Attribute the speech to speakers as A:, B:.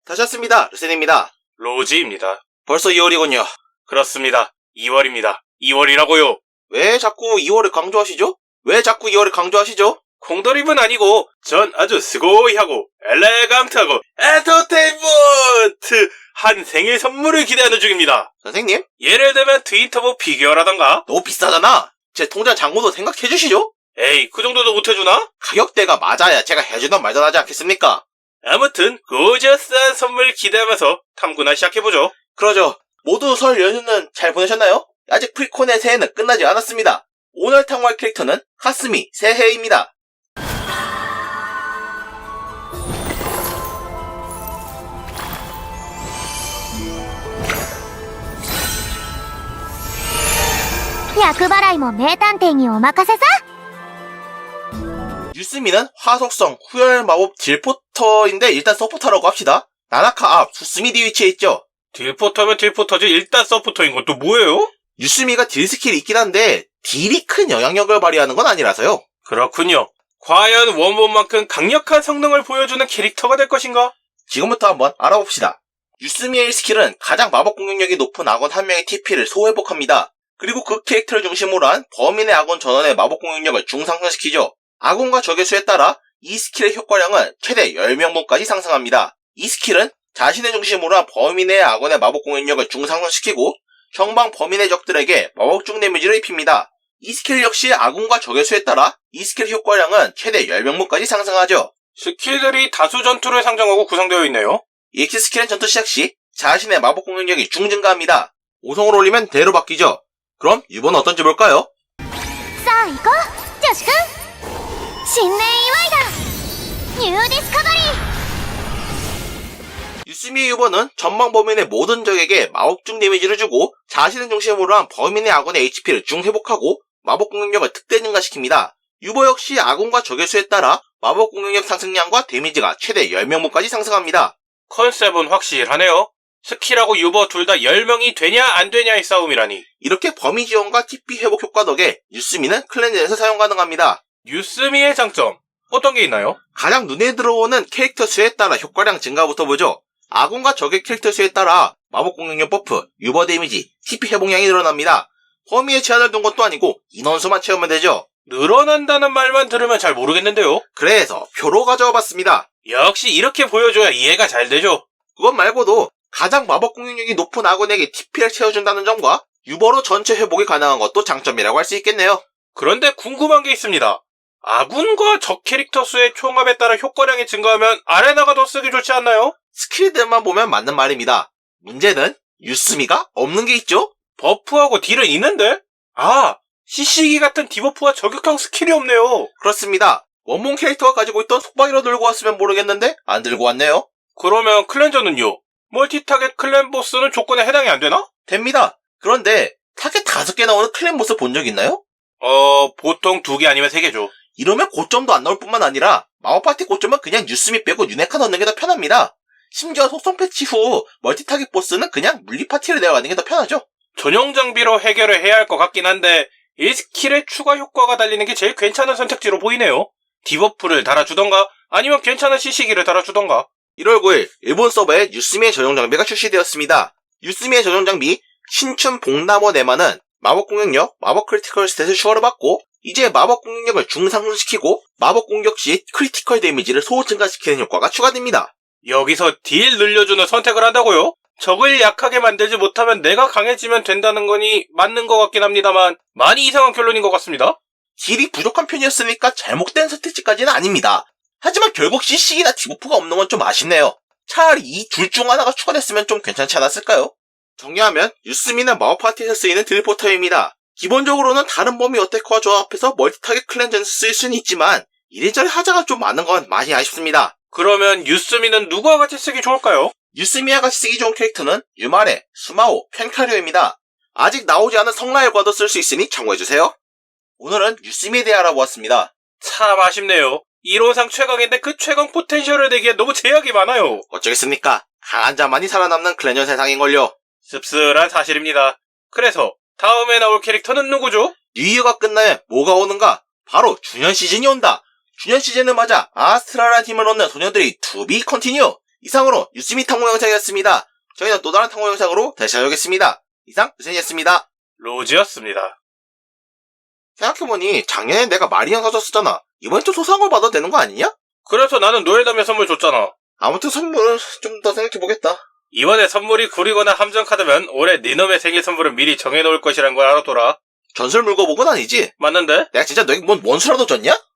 A: 다시 왔습니다. 루센입니다.
B: 로지입니다.
A: 벌써 2월이군요.
B: 그렇습니다. 2월입니다. 2월이라고요.
A: 왜 자꾸 2월을 강조하시죠?
B: 콩돌입은 아니고 전 아주 스고이하고 엘레강트하고 엔터테인먼트 한 생일 선물을 기대하는 중입니다.
A: 선생님,
B: 예를 들면 트윈터보 피규어라던가.
A: 너무 비싸잖아. 제 통장 잔고도 생각해주시죠?
B: 에이, 그 정도도 못해주나?
A: 가격대가 맞아야 제가 해주던 말도 하지 않겠습니까?
B: 아무튼 고저스한 선물 기대하면서 탐구나 시작해보죠.
A: 그러죠. 모두 설 연휴는 잘 보내셨나요? 아직 프리콘의 새해는 끝나지 않았습니다. 오늘 탐구할 캐릭터는 카스미 새해입니다.
C: 약払いも名探偵にお任せさ。
A: 유스미는 화속성 후열 마법 딜포터인데 일단 서포터라고 합시다. 나나카 앞 수스미 위치에 있죠.
B: 딜포터면 딜포터지 일단 서포터인 건 또 뭐예요?
A: 유스미가 딜 스킬이 있긴 한데 딜이 큰 영향력을 발휘하는 건 아니라서요.
B: 그렇군요. 과연 원본만큼 강력한 성능을 보여주는 캐릭터가 될 것인가?
A: 지금부터 한번 알아봅시다. 유스미의 스킬은 가장 마법 공격력이 높은 아군 한 명의 TP를 소회복합니다. 그리고 그 캐릭터를 중심으로 한 범인의 아군 전원의 마법 공격력을 중상승시키죠. 아군과 적의 수에 따라 이 스킬의 효과량은 최대 10명분까지 상승합니다. 이 스킬은 자신의 중심으로 한 범인의 아군의 마법 공격력을 중상승시키고 형방 범인의 적들에게 마법중 데미지를 입힙니다. 이 스킬 역시 아군과 적의 수에 따라 이 스킬 효과량은 최대 10명분까지 상승하죠.
B: 스킬들이 다수 전투를 상정하고 구성되어 있네요.
A: EX 스킬은 전투 시작 시 자신의 마법 공격력이 중증가합니다. 5성을 올리면 대로 바뀌죠. 그럼 유버는 어떤지 볼까요?
C: さあ行こう女子くん。新年祝いだ。ニューディスカバリー。
A: 유스미의 유버는 전방 범인의 모든 적에게 마법중 데미지를 주고 자신을 중심으로 한 범인의 아군의 HP를 중회복하고 마법 공격력을 특대 증가시킵니다. 유버 역시 아군과 적의 수에 따라 마법 공격력 상승량과 데미지가 최대 10명분까지 상승합니다.
B: 컨셉은 확실하네요. 스킬하고 유버 둘 다 10명이 되냐 안 되냐의 싸움이라니.
A: 이렇게 범위 지원과 TP 회복 효과 덕에 유스미는 클렌저에서 사용 가능합니다.
B: 유스미의 장점 어떤 게 있나요?
A: 가장 눈에 들어오는 캐릭터 수에 따라 효과량 증가부터 보죠. 아군과 적의 캐릭터 수에 따라 마법 공격력 버프, 유버 데미지, TP 회복량이 늘어납니다. 범위에 제한을 둔 것도 아니고 인원수만 채우면 되죠.
B: 늘어난다는 말만 들으면 잘 모르겠는데요.
A: 그래서 표로 가져와 봤습니다.
B: 역시 이렇게 보여줘야 이해가 잘 되죠.
A: 그것 말고도 가장 마법 공격력이 높은 아군에게 TP를 채워준다는 점과 유버로 전체 회복이 가능한 것도 장점이라고 할 수 있겠네요.
B: 그런데 궁금한 게 있습니다. 아군과 적 캐릭터 수의 총합에 따라 효과량이 증가하면 아레나가 더 쓰기 좋지 않나요?
A: 스킬들만 보면 맞는 말입니다. 문제는 유스미가 없는 게 있죠?
B: 버프하고 딜은 있는데? CC기 같은 디버프와 저격형 스킬이 없네요.
A: 그렇습니다. 원본 캐릭터가 가지고 있던 속박이로 들고 왔으면 모르겠는데 안 들고 왔네요.
B: 그러면 클렌저는요? 멀티타겟 클랜 보스는 조건에 해당이 안 되나?
A: 됩니다. 그런데 타겟 5개 나오는 클랜 보스 본 적 있나요?
B: 보통 2개 아니면 3개죠.
A: 이러면 고점도 안 나올 뿐만 아니라 마법 파티 고점은 그냥 유스미 빼고 유네카 넣는 게 더 편합니다. 심지어 속성 패치 후 멀티 타겟 보스는 그냥 물리 파티를 내어가는 게 더 편하죠.
B: 전용 장비로 해결을 해야 할 것 같긴 한데 이 스킬의 추가 효과가 달리는 게 제일 괜찮은 선택지로 보이네요. 디버프를 달아주던가 아니면 괜찮은 CC기를 달아주던가.
A: 1월 9일 일본 서버에 유스미의 전용 장비가 출시되었습니다. 유스미의 전용 장비 신춘 복나무 네마는 마법 공격력, 마법 크리티컬 스탯을 추가로 받고 이제 마법 공격력을 중상승시키고 마법 공격 시 크리티컬 데미지를 소호 증가시키는 효과가 추가됩니다.
B: 여기서 딜 늘려주는 선택을 한다고요? 적을 약하게 만들지 못하면 내가 강해지면 된다는 거니 맞는 것 같긴 합니다만 많이 이상한 결론인 것 같습니다.
A: 딜이 부족한 편이었으니까 잘못된 선택지까지는 아닙니다. 하지만 결국 CC기나 디버프가 없는 건 좀 아쉽네요. 차라리 이 둘 중 하나가 추가됐으면 좀 괜찮지 않았을까요? 정리하면 유스미는 마법 파티에서 쓰이는 딜포터입니다. 기본적으로는 다른 범위 어택커와 조합해서 멀티타겟 클렌저에서 쓰일 수는 있지만 이래저래 하자가 좀 많은 건 많이 아쉽습니다.
B: 그러면 유스미는 누구와 같이 쓰기 좋을까요?
A: 유스미와 같이 쓰기 좋은 캐릭터는 유마레, 수마오, 펜카류입니다. 아직 나오지 않은 성라일과도 쓸 수 있으니 참고해주세요. 오늘은 유스미에 대해 알아보았습니다.
B: 참 아쉽네요. 이론상 최강인데 그 최강 포텐셜을 내기에 너무 제약이 많아요.
A: 어쩌겠습니까? 강한 자만이 살아남는 클렌저 세상인걸요.
B: 씁쓸한 사실입니다. 그래서 다음에 나올 캐릭터는 누구죠?
A: 뉴이어가 끝나면 뭐가 오는가? 바로 주년 시즌이 온다. 주년 시즌을 맞아 아스트랄한 힘을 얻는 소녀들이 투비 컨티뉴. 이상으로 유스미 탐구 영상이었습니다. 저희는 또 다른 탐구 영상으로 다시 찾아오겠습니다. 이상 유sen이었습니다.
B: 로즈였습니다.
A: 생각해보니 작년에 내가 마리형 사줬었잖아. 이번엔 좀 소소한 걸 받아도 되는 거 아니냐?
B: 그래서 나는 노엘담에 선물 줬잖아.
A: 아무튼 선물은 좀 더 생각해보겠다.
B: 이번에 선물이 구리거나 함정카드면 올해 니놈의 생일 선물은 미리 정해놓을 것이란 걸 알아둬라.
A: 전설 물고 보건 아니지?
B: 맞는데?
A: 내가 진짜 너에게 뭔 원수라도 줬냐?